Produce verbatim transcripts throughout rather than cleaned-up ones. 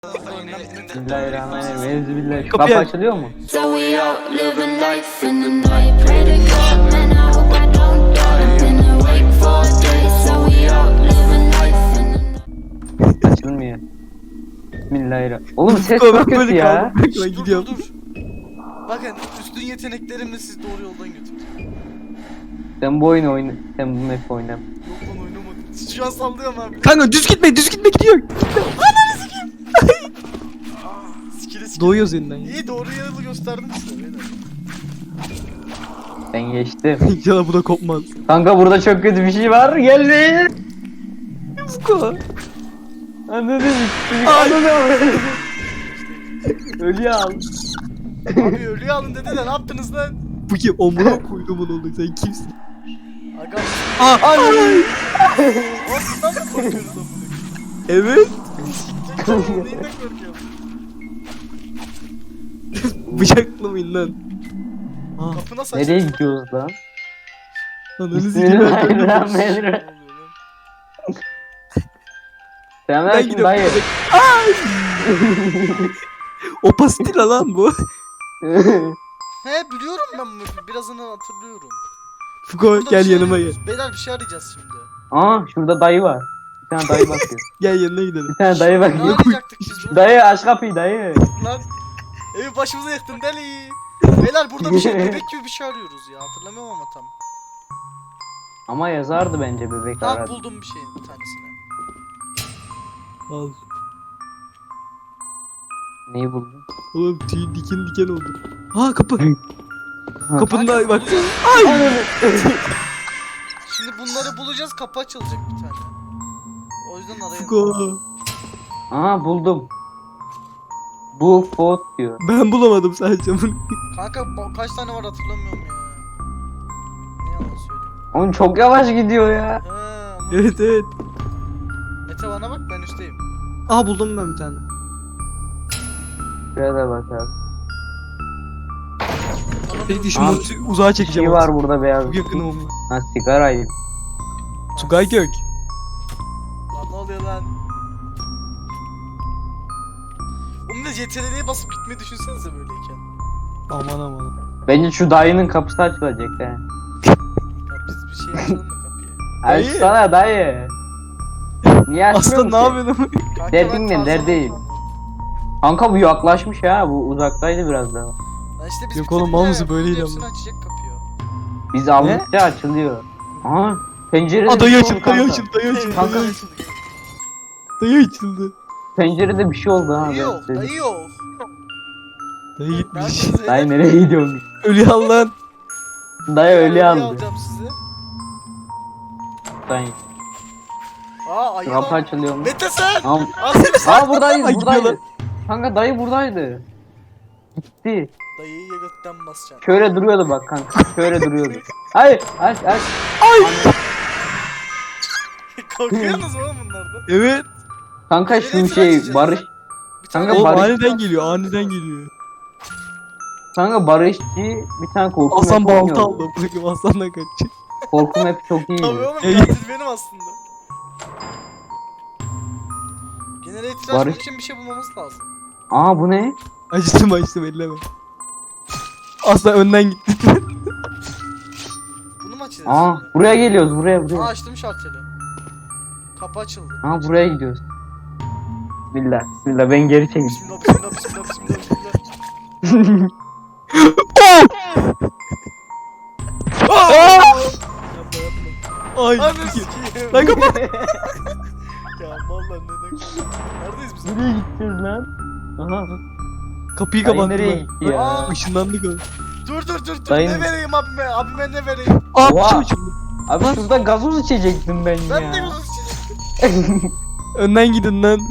Bismillahirrahmanirrahim. Evzübillah. Şu Kapıyı kapı aç. açılıyor mu? So we out living life in the night. Pray to God, man, I hope I don't die. Been awake for days. So we out living life in the night. Açılmıyor. Bismillahirrahmanirrahim. Oğlum ses Ben çok kötü böyle ya. kaldım. Ben Dur, gidiyorum. Dur, dur. Bakın üstün yeteneklerimle sizi doğru yoldan götüreceğim. Sen bu oyunu oyna. Sen bu map oyna. Yok lan oynamadım. Şu an sallıyorum abi. Kanka düz gitme, düz gitme gidiyor. Skill'e skill'e. Doğuyoruz yeniden. İyi doğru yolu gösterdim size. beyler. Ben geçtim. İnşallah bu da kopmaz. Kanka burada çok kötü bir şey var. Gelmeyin. Fuko. Anladın mı? Anladın mı? Ölüyü al. Abi ölüyü alın dedi de ne yaptınız lan? Bu kim? Omuna koydum onu oğlum. Sen kimsin? Aga. Aa, ay. Oğlum bundan mı korkuyoruz amına? Evet. Sikecek oğlum neyinden korkuyorum? Bıçaklı mıyım lan? Aa, Kapı nasıl Nereye açıldı? gidiyoruz lan? ananı sikeyim. Bismillahirrahmanirrahim. Ben Selamünaleyküm gidiyorum. dayı. Ay. Opasitila lan bu. He biliyorum ben bunu. Birazını hatırlıyorum. Fuko Burada gel bir şey yanıma gel. arıyoruz. Beyler bir şey arayacağız şimdi. Aa şurada dayı var. Bir tane dayı bakıyor. Gel yanına gidelim. Bir tane dayı Ne bakıyor. arayacaktık biz bunu? Dayı aç kapıyı dayı. Lan evi başımıza yıktın deli. Beyler burada bir şey bebek gibi bir şey arıyoruz ya. Hatırlamıyorum ama tam. Ama yazardı bence bebek Ha aradı. buldum bir şeyin bir tanesini. Al. Neyi buldun? Oğlum tüy diken diken oldu. Aa kapı. Ha. Kapının da bak. Şimdi bunları bulacağız, kapı açılacak bir tane. O yüzden arayın. Fuko. Aha buldum. Bu bot diyor. Ben bulamadım sadece bunu. Kanka ba- kaç tane var hatırlamıyorum ya. Ne yalan söyleyeyim. Oğlum çok yavaş gidiyor ya. He ama Evet evet. Mete bana bak ben üstteyim. Aa buldum ben bir tane. Şuraya da bak abi. Peki şu Aa, montu uzağa Bir çekeceğim. şey var burada beyaz. Çok yakın olma. Ha sigarayı. Tugay Gök. Lan ne oluyor lan? Onun da C T R L'ye basıp gitmeyi düşünsenize böyleyken. Aman aman. Bence şu dayının kapısı açılacak he. Ya biz bir şey açalım da kapıyı. Dayı. Açsana dayı. Niye açmıyorsun Aslında ne ki? yapıyorsun? Kanka Derdin ben ne, Tarzan'ı derdeyim. sandım. Kanka bu yaklaşmış ha. Bu uzaktaydı biraz daha. Lan işte biz Yok bitirdik oğlum, mal ya, mısın? Böyleydi hepsini ama. açacak kapıyı. Biz aldıkça açılıyor. Aha pencerede Aa bir dayı şey açıldı, oldu dayı kanka. açıldı, dayı açıldı. Kanka. Dayı açıldı. Dayı açıldı. Pencerede bir şey oldu ha. Dayı ben yok, size- dayı yok. Dayı gitmiş. Neredesiniz? Dayı nereye gidiyormuş? Ölü al lan. Dayı öyle Ölüyü aldı. alacağım sizi. Dayı. Aa ayı Kapı lan. açılıyor mu? Mete sen! Tamam. Aslında sen! Aa buradayız Ay, buradaydı. gidiyorlar. Kanka dayı buradaydı. Gitti. Dayıyı götten basacaksın. Şöyle duruyordu bak kanka. Şöyle duruyordu. Hayır aç aç. Korkuyorsunuz mu oğlum bunlardan? Evet. Kanka Nereye şu tıraş şey edeceğiz Barış. ya? Bir tane Kanka Oğlum Barış- aniden geliyor, aniden geliyor. Kanka Barışçı bir tane korku Hasan mapi balta oynuyordu. aldı. Bırakın Hasan'dan kaçacak. Korku mapi çok iyiydi. Tabii oğlum Ey. katil benim aslında. Genel itiraz Barış- için bir şey bulmamız lazım. Aa bu ne? Açtım açtım elleme. Aslan önden gitti. Bunu mu açacağız? Aa şimdi? buraya geliyoruz buraya Aa buraya. açtım şalteri. Kapı açıldı. Aa buraya gidiyoruz. Bismillah bismillah ben geri çekeyim. Bismillah bismillah bismillah bismillah bismillah. Yapma yapma. Ay. Anı sikeyim. Lan kapat. Ya vallahi neden? Neredeyiz biz? Nereye gideceğiz lan? Aha. Kapıyı Dayı kapattı nereye lan. gitti ya? Aa. Işınlandık oğlum. Dur dur dur dur. Dayım- Ne vereyim abime? Abime ne vereyim? Aa Oha. bir şey uçurdu. Abi şurada gazoz içecektim ben, Ben ya. de yolun içecektim. Önden gidin lan.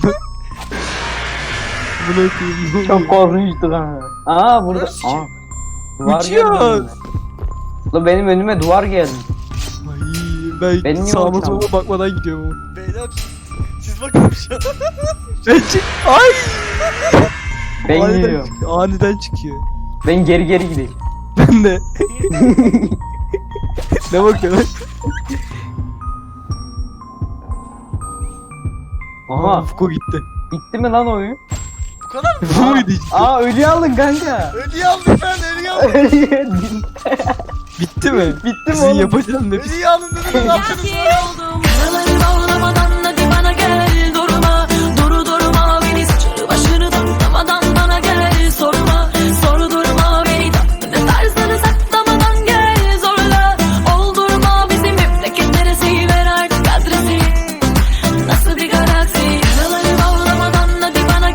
Bunu okuyayım. Çok korkunçtu kanka. Aa burada. Burası Aa. kim? Duvar Uçuyoruz. geldi önüme. Ulan benim önüme duvar geldi. Ay ben Benim niye sağıma uçamam? soluma bakmadan gidiyorum. Beyler siz bakın şu an. Ben çık. Ay. Ben aniden gidiyorum. çıkıyor, aniden çıkıyor. Ben geri geri gideyim. Ben de. Ne bakıyor lan? Aha. Fuko gitti. Bitti mi lan oyun? Bu kadar mı? Bu muydu işte? Aa ölüyü aldın kanka. Ölüyü aldım ben ölüyü aldım. Ölüyü Bitti mi? Bitti mi Sizin oğlum? yapacağım ne? Ölüyü alın dedim ne yaptınız lan? Feeling